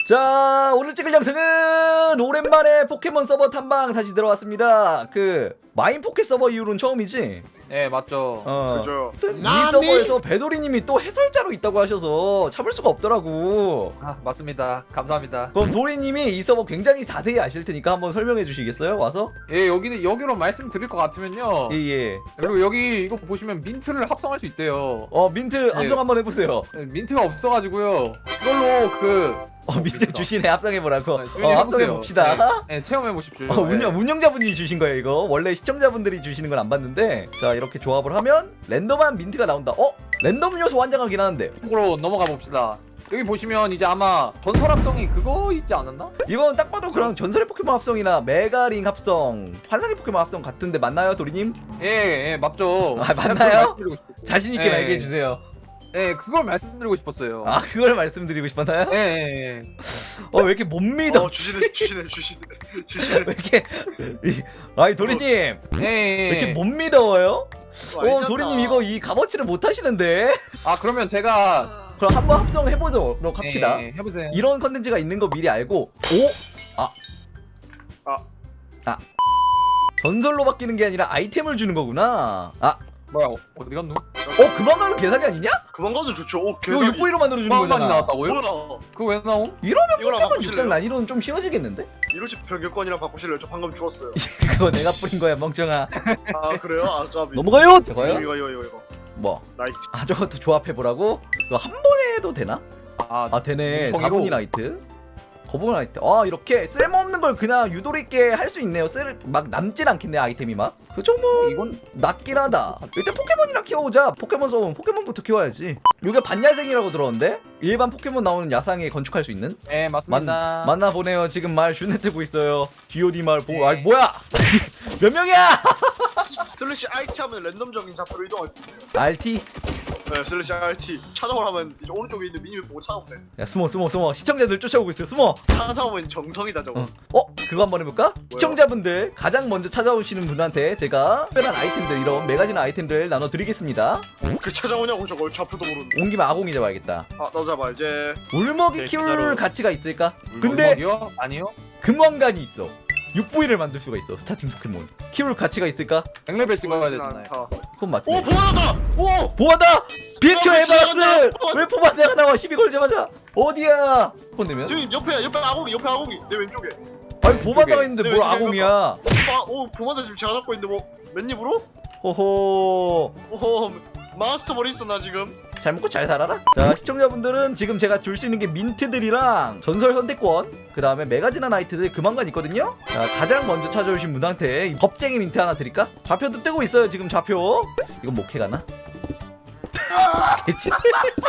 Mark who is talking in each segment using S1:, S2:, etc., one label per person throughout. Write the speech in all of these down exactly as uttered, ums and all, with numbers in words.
S1: 자, 오늘 찍을 영상은 오랜만에 포켓몬 서버 탐방 다시 들어왔습니다. 그 마인 포켓 서버 이후로는 처음이지?
S2: 네 맞죠.
S1: 어.
S3: 그죠.
S1: 이 서버에서 배도리님이 또 해설자로 있다고 하셔서 참을 수가 없더라고.
S2: 아 맞습니다. 감사합니다.
S1: 그럼 도리님이 이 서버 굉장히 자세히 아실 테니까 한번 설명해 주시겠어요? 와서?
S2: 예 여기는 여기로 말씀드릴 것 같으면요.
S1: 예예.
S2: 그리고 여기 이거 보시면 민트를 합성할 수 있대요.
S1: 어 민트 합성 한번 해보세요.
S2: 예, 민트가 없어가지고요. 이걸로 그
S1: 어 민트 주시네. 합성해 보라고.
S2: 네,
S1: 어 합성해 봅시다.
S2: 네, 네, 체험해 보십시오.
S1: 어, 운영, 운영자분이 주신 거예요 이거. 원래 시청자분들이 주시는 건 안 봤는데. 자 이렇게 조합을 하면 랜덤한 민트가 나온다. 어? 랜덤 요소 환장하긴 하는데
S2: 으로 넘어가 봅시다. 여기 보시면 이제 아마 전설 합성이 그거 있지 않았나?
S1: 이건 딱 봐도 그냥 전설의 포켓몬 합성이나 메가링 합성, 환상의 포켓몬 합성 같은데 맞나요 도리님?
S2: 예, 예 맞죠.
S1: 아, 맞나요?
S2: 그걸 말씀드리고 싶었고.
S1: 자신있게
S2: 예,
S1: 말해 주세요.
S2: 예 그걸 말씀드리고 싶었어요.
S1: 아 그걸 말씀드리고 싶었나요?
S2: 예, 예, 예.
S1: 어 왜 이렇게 못 믿어?
S3: 어 주시네 주시네 주시네 주시네.
S1: 왜 이렇게 이- 아니 도리님
S2: 예, 예.
S1: 왜 이렇게 못 믿어요? 어
S3: 알잖아.
S1: 도리님 이거 이 값어치를 못 하시는데?
S2: 아 그러면 제가
S1: 그럼 한번 합성해보도록 합시다.
S2: 예, 예, 해보세요.
S1: 이런 컨텐츠가 있는 거 미리 알고 오? 아.
S3: 아.
S1: 아. 전설로 바뀌는 게 아니라 아이템을 주는 거구나. 아.
S2: 뭐야 어디 갔노?
S1: 어 그만 가는 개사기 아니냐?
S3: 그만 가도 좋죠. 오
S1: 이거
S3: 개사기.
S1: 육 부위로 만들어주는
S2: 빵만이
S1: 거잖아.
S2: 나왔다고요?
S3: 뭐야?
S2: 그거 왜 나옴?
S1: 이러면
S3: 이거랑
S1: 포켓몬
S3: 바꾸실래요?
S1: 육상 난이도는 좀 쉬워지겠는데?
S3: 이로치 변경권이랑 바꾸실래요? 저 방금 죽었어요.
S1: 그거 내가 뿌린 거야 멍청아.
S3: 아 그래요? 아 까비.
S1: 넘어가요.
S3: 이거
S1: 저거요?
S3: 이거 이거 이거 이거.
S1: 뭐?
S3: 나이스.
S1: 아 저것도 조합해보라고? 이거 한 번에 해도 되나?
S2: 아,
S1: 아 되네.
S2: 뭉텅이로.
S1: 다분이 나이트. 거북이 나이트. 아 이렇게 쓸모없는 걸 그냥 유도리 있게 할 수 있네요. 쓸 막 남진 않겠네 아이템이 막. 그죠 뭐
S2: 이건
S1: 낫긴 하다. 일단 포켓몬이랑 키워보자. 포켓몬 서면 포켓몬부터 키워야지. 이게 반야생이라고 들었는데 일반 포켓몬 나오는 야상에 건축할 수 있는?
S2: 네 맞습니다.
S1: 만나 보네요. 지금 말 슈네 뜨고 있어요. 지오디 말 보고.
S2: 네.
S1: 아 뭐야? 몇 명이야?
S3: 슬래시 알티 하면 랜덤적인 좌표로 이동할 수 있어요.
S1: 알티.
S3: 네 슬래시 알티 찾아오라면 이제 오른쪽에 있는 미니맵 보고 찾아오면 돼.
S1: 야 숨어 숨어 숨어. 시청자들 쫓아오고 있어. 숨어.
S3: 찾아오면 정성이다 저거.
S1: 어. 어? 그거 한번 해볼까? 시청자분들 가장 먼저 찾아오시는 분한테 제가 특별한 아이템들 이런 메가진 아이템들 나눠드리겠습니다.
S3: 그 찾아오냐고 저걸 좌표도 모르는데.
S1: 온 김에 아공이 잡아야겠다.
S3: 아 나도 잡아 이제.
S1: 울먹이
S4: 네,
S1: 키울
S4: 진짜로.
S1: 가치가 있을까? 근데
S2: 어디요? 아니요.
S1: 금왕관이 있어. 육 부위를 만들 수가 있어. 스타팅 포켓몬. 키울 가치가 있을까?
S2: 백 레벨 찍어야
S3: 보이진
S2: 되잖아요.
S3: 않다.
S1: 그건 맞지.
S3: 오 보아다. 오.
S1: 보아다! 비켜
S3: 어,
S1: 에바라스!
S3: 지나간다.
S1: 왜 포바드가 나와? 시비 걸자마자 어디야? 폰 내면?
S3: 지금 옆에 옆에 아고기 옆에 아고기 내 왼쪽에.
S1: 아니 보바다가
S2: 왼쪽에.
S1: 있는데
S3: 네,
S1: 뭘
S3: 왼쪽에
S1: 아공이야?
S3: 아, 오 보마다 지금 제가 잡고 있는데 뭐 맨입으로?
S1: 호호.
S3: 오호 마스터볼 있어 나 지금.
S1: 잘 먹고 잘 살아라. 자 시청자분들은 지금 제가 줄 수 있는 게 민트들이랑 전설 선택권, 그 다음에 메가지나 나이트들 그만간 있거든요. 자 가장 먼저 찾아오신 분한테 이 겁쟁이 민트 하나 드릴까? 좌표도 뜨고 있어요 지금 좌표. 이건 목해 가나? 그치?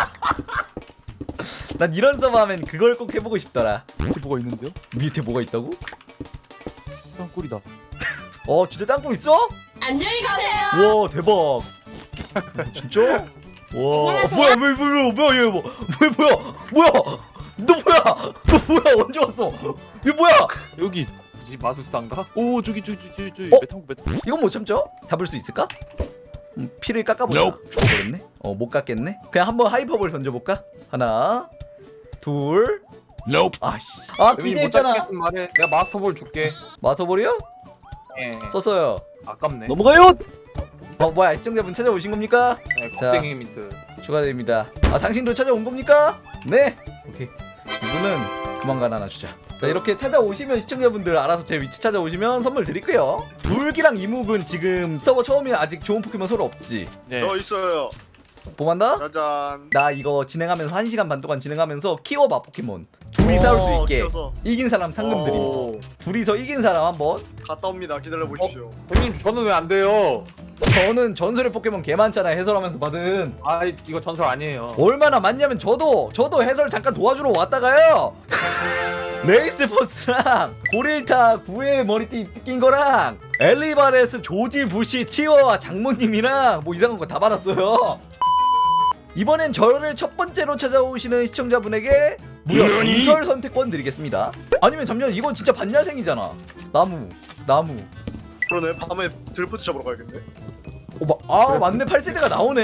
S1: 난 이런 서버 하면 그걸 꼭 해보고 싶더라.
S4: 밑에 뭐가 있는데요?
S1: 밑에 뭐가 있다고?
S4: 땅굴이다.
S1: 어 진짜 땅굴 있어?
S5: 안녕히 가세요.
S1: 와 대박. 어, 진짜? 와 어, 뭐야 왜 뭐야 뭐야 얘 뭐, 뭐야 뭐야 뭐야 너 뭐야 너 뭐야 언제 왔어? 이거 뭐야?
S4: 여기.
S2: 굳이 마술사인가?
S4: 오 저기 저기 저기 저기
S1: 어?
S4: 메탄구 메탄.
S1: 이건 못 참죠? 잡을 수 있을까? 음, 피를 깎아보자. 죽어버렸네. 어 못 깎겠네. 그냥 한번 하이퍼볼 던져볼까? 하나 둘 아씨 아
S2: 못
S1: 기대했잖아.
S2: 잡겠으면 말해. 내가 마스터볼 줄게.
S1: 마터볼이요?
S2: 예.
S1: 썼어요.
S2: 아깝네.
S1: 넘어가요. 어 뭐야 시청자분 찾아오신 겁니까?
S2: 네, 겁쟁이 민트.
S1: 추가됩니다. 아 당신도 찾아온 겁니까? 네. 오케이. 이분은 그만간 하나 주자. 자 이렇게 찾아오시면 시청자분들 알아서 제 위치 찾아오시면 선물 드릴게요. 불기랑 이묵은 지금 서버 처음이라 아직 좋은 포켓몬 서로 없지.
S4: 네.
S3: 저 있어요.
S1: 봄한다?
S3: 짜잔.
S1: 나 이거 진행하면서 한 시간 반 동안 진행하면서 키워봐 포켓몬. 둘이
S3: 어,
S1: 싸울 수 있게.
S3: 키워서.
S1: 이긴 사람 상금 드림.
S2: 오.
S1: 둘이서 이긴 사람 한번.
S3: 갔다 옵니다. 기다려 보십시오.
S2: 대표님 저는 왜 안 돼요?
S1: 저는 전설의 포켓몬 개 많잖아요 해설하면서 받은.
S2: 아 이거 전설 아니에요.
S1: 얼마나 많냐면 저도 저도 해설 잠깐 도와주러 왔다가요. 레이스 포스랑 고릴타 구의 머리띠 낀 거랑 엘리바레스 조지 부시 치워와 장모님이랑 뭐 이상한 거 다 받았어요. 이번엔 저를 첫 번째로 찾아오시는 시청자분에게 무려 전설 선택권 드리겠습니다. 아니면 잠시만 이건 진짜 반야생이잖아. 나무 나무.
S3: 그러네. 밤에 들포트 잡으러 가야겠네.
S1: 어, 마, 아 맞네 팔 세대가 나오네.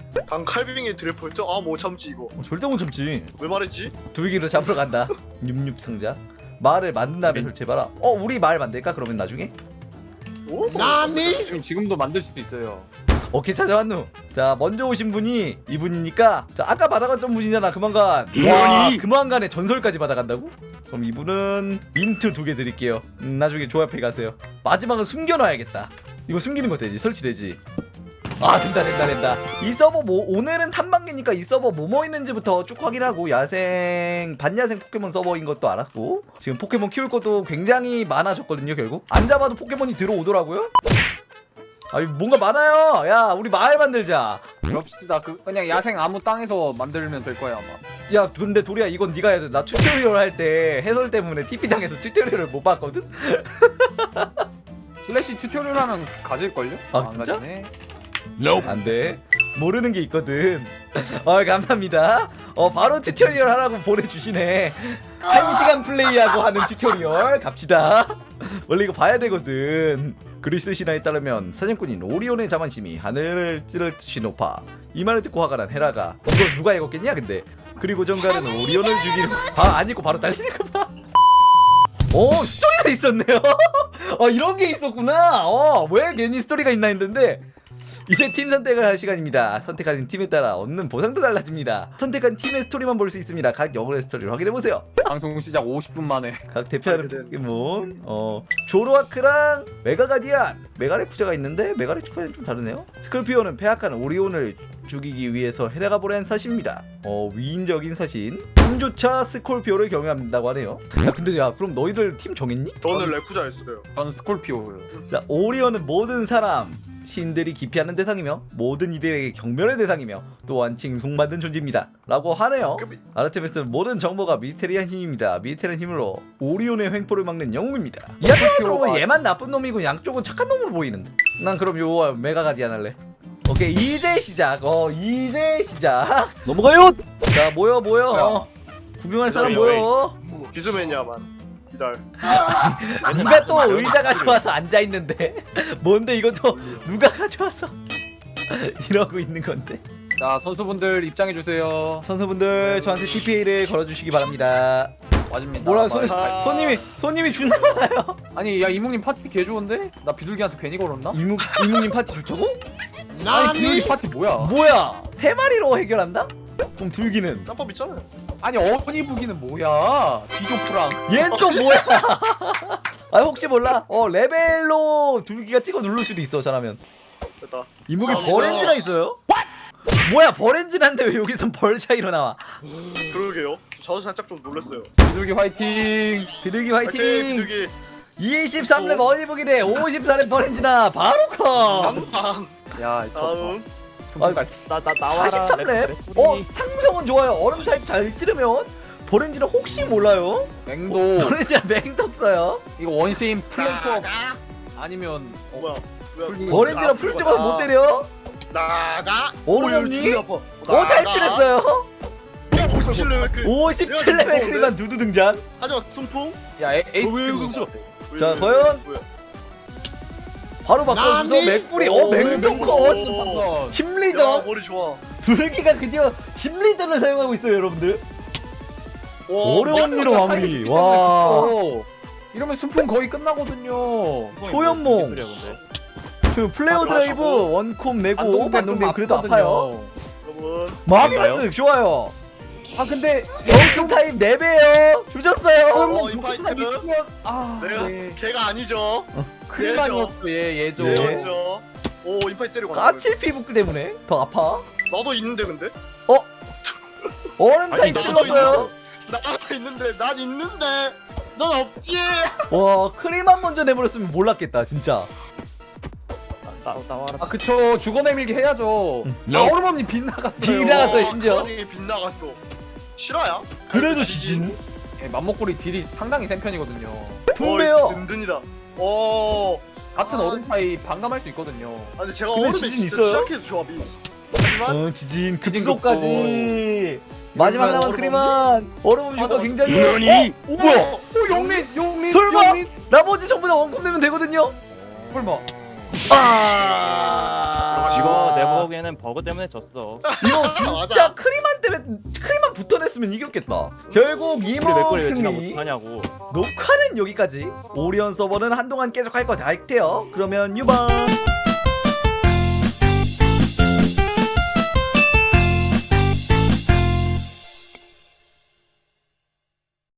S3: 당 칼빙의 드래프트? 아 뭐 참지 이거.
S1: 어, 절대 못 참지.
S3: 왜 말했지?
S1: 두기로 잡으러 간다. 윰윰 상자. 말을 만든 다음에 설치해봐라. 어 우리 말 만들까 그러면 나중에?
S3: 오?
S2: 지금 지금도 만들 수도 있어요.
S1: 오케이 찾아왔누. 자 먼저 오신 분이 이분이니까 자 아까 받아갔던 분이잖아 그만간. 와 그만간에 전설까지 받아간다고? 그럼 이분은 민트 두 개 드릴게요. 음, 나중에 조합해 가세요. 마지막은 숨겨놔야겠다. 이거 숨기는 거 되지? 설치되지? 아 된다 된다 된다. 이 서버 뭐 오늘은 탐방기니까 이 서버 뭐뭐 있는지부터 쭉 확인하고 야생 반야생 포켓몬 서버인 것도 알았고 지금 포켓몬 키울 것도 굉장히 많아졌거든요. 결국 안 잡아도 포켓몬이 들어오더라고요. 아 뭔가 많아요. 야 우리 마을 만들자.
S2: 그럽시다. 그 그냥 야생 아무 땅에서 만들면 될 거야 아마.
S1: 야 근데 도리야 이건 네가 해야 돼. 나 튜토리얼 할 때 해설 때문에 티피 당해서 튜토리얼을 못 봤거든.
S2: 슬래시 튜토리얼 하면 가질걸요?
S1: 아,
S2: 안
S1: 진짜?
S2: 가지네.
S1: 안돼 모르는 게 있거든. 어 감사합니다. 어 바로 튜토리얼 하라고 보내주시네. 한 시간 플레이하고 하는 튜토리얼 갑시다. 원래 이거 봐야 되거든. 그리스 신화에 따르면 사냥꾼인 오리온의 자만심이 하늘을 찌를 듯이 높아 이 말을 듣고 화가 난 헤라가 이걸 누가 읽었겠냐 근데 그리고 정갈은 오리온을 죽이는 봐안 읽고 바로 달리는 거 봐. 오 스토리가 있었네요. 어 이런 게 있었구나. 어왜 괜히 스토리가 있나 했는데 이제 팀 선택을 할 시간입니다. 선택하신 팀에 따라 얻는 보상도 달라집니다. 선택한 팀의 스토리만 볼 수 있습니다. 각 영혼의 스토리를 확인해보세요.
S2: 방송 시작 오십 분 만에.
S1: 각 대표하는 포켓몬 어 조로아크랑 메가가디안 메가레쿠자가 있는데 메가레쿠자는 좀 다르네요. 스콜피오는 폐악한 오리온을 죽이기 위해서 헤라가 보낸 사신입니다. 어 위인적인 사신 팀조차 스콜피오를 경외한다고 하네요. 야 근데 야 그럼 너희들 팀 정했니?
S3: 저는 레쿠자였어요.
S2: 저는 스콜피오요.
S1: 자 오리온은 모든 사람 신들이 기피하는 대상이며 모든 이들에게 경멸의 대상이며 또한 칭송받는 존재입니다 라고 하네요. 아르테미스는 모든 정보가 미테리안 힘입니다. 미테리안 힘으로 오리온의 횡포를 막는 영웅입니다. 이 앞에 들어보면 얘만 나쁜 놈이고 양쪽은 착한 놈으로 보이는데 난 그럼 요 메가가디안 할래. 오케이 이제 시작. 어 이제 시작. 넘어가요. 자 모여 모여. 어, 구경할 사람 모여.
S3: 기즈맨이야만. 기다려.
S1: 누가 또 의자 가져와서 앉아있는데 뭔데 이것도 누가 가져와서 이러고 있는 건데.
S2: 자 선수분들 입장해 주세요.
S1: 선수분들 저한테 티피에이를 걸어주시기 바랍니다.
S2: 맞습니다.
S1: 뭐라
S2: 아,
S1: 손,
S3: 아.
S1: 손님이 손님이 존나 많아요.
S2: 아니 야 이묵님 파티 개 좋은데? 나 비둘기한테 괜히 걸었나?
S1: 이묵 이묵님 파티 좋다고?
S2: 아니 비둘기 파티 뭐야?
S1: 뭐야 대마리로 해결한다? 그럼 둘기는
S3: 짬밥 있잖아요.
S2: 아니 어머니 부기는 뭐야? 비조프랑.
S1: 얘는 또 뭐야? 아 혹시 몰라? 어 레벨로 둘기가 찍어 누를 수도 있어 잘하면.
S3: 됐다.
S1: 이묵이
S3: 아,
S1: 버렌즈가 있어요? 뭐야 버렌즈난데 왜 여기선 벌 차이로 나와?
S3: 그러게요. 저도 살짝 좀 놀랐어요.
S2: 비둘기 화이팅.
S1: 비둘기
S3: 화이팅!
S1: 화이팅!
S3: 비둘기.
S1: 이십삼 렙 어니북이 대 오십사 렙 버렌즈나 바로 컷!
S3: 깜빵.
S2: 야
S3: 다음.
S2: 손발 나나 나와라.
S1: 사십삼 렙? 어 상성은 좋아요. 얼음 타입 잘 찌르면 버렌즈는 혹시 몰라요?
S2: 맹도.
S1: 버렌즈가 맹독 써요.
S2: 이거 원시인 플랭커 아니면 어,
S3: 뭐야? 뭐야?
S1: 버렌즈랑 풀 찍어서 못 때려?
S3: 나가.
S1: 오르몬니?
S3: 오,
S1: 오 탈출했어요.
S3: 오십칠 레벨.
S1: 오십칠 레벨 크리만 두두 등장.
S3: 하지만 순풍.
S2: 야 에, 에이스
S3: 왜
S2: 큐브.
S3: 그러죠?
S1: 자, 과연? 바로 바꿔주서 맥구리. 어 맹독 컷.
S2: 한번.
S3: 야
S1: 심리전.
S3: 머리 좋아.
S1: 둘기가 드디어 심리전을 사용하고 있어요 여러분들.
S3: 와,
S1: 어려운 일로
S2: 와,
S1: 마무리.
S2: 타이밍
S1: 와.
S2: 그쵸? 이러면 순풍 거의 끝나거든요.
S1: 소연몽. 그 플레어 드라이브 원콤 내고 반동되면 그래도 아파요.
S3: 여러분.
S1: 마비라스 좋아요.
S2: 아 근데
S1: 영중 타임 네 배요. 주셨어요.
S3: 어, 이 파이트.
S2: 아
S3: 내가
S2: 네.
S3: 걔가 아니죠.
S2: 크리만이었어 얘 얘죠.
S1: 예.
S3: 그렇죠. 오 인파이트 때리고
S1: 까칠 피부 때문에 더 아파.
S3: 나도 있는데 근데.
S1: 얼음 타임
S3: 아니, 나도
S1: 찔렀어요.
S3: 나도 있는데 난 있는데 넌 없지.
S1: 와 크림만 먼저 내버렸으면 몰랐겠다 진짜.
S4: 나 나와라.
S2: 아 그쵸 죽어내밀기 해야죠. 아 얼음없니 빗나갔어요.
S1: 빗나갔어요. 심지어.
S3: 이 빗나갔어. 실화야?
S1: 그래도
S3: 아니,
S1: 지진.
S2: 예, 맘먹구리 딜이 상당히 센 편이거든요.
S1: 분배요.
S3: 어, 든든이다. 오.
S2: 같은
S3: 아,
S2: 얼음 타입 반감할 수 있거든요.
S3: 아 근데 제가
S1: 근데
S3: 얼음에
S1: 지진
S3: 진짜
S1: 있어요?
S3: 취약해서 조합이. 하지만
S1: 어 지진
S2: 지진
S1: 급소까지. 마지막 남은
S3: 얼음
S1: 크림만 얼음 효과
S3: 아,
S1: 굉장히.
S4: 뭐니?
S1: 어? 어 뭐야?
S2: 오 영민 영민
S1: 설마?
S2: 영민.
S1: 나머지 전부 다 원콤 내면 되거든요.
S2: 설마.
S1: 아.
S4: 이거 내버 결국에는 버그 때문에 졌어.
S1: 이거 진짜
S3: 맞아.
S1: 크리만 때문에 크리만 붙어냈으면 이겼겠다. 결국
S4: 우리
S1: 이몽
S4: 맥골이 왜 진화
S1: 승리.
S4: 못하냐고.
S1: 녹화는 여기까지. 오리온 서버는 한동안 계속 할 것 같아요. 그러면 유바.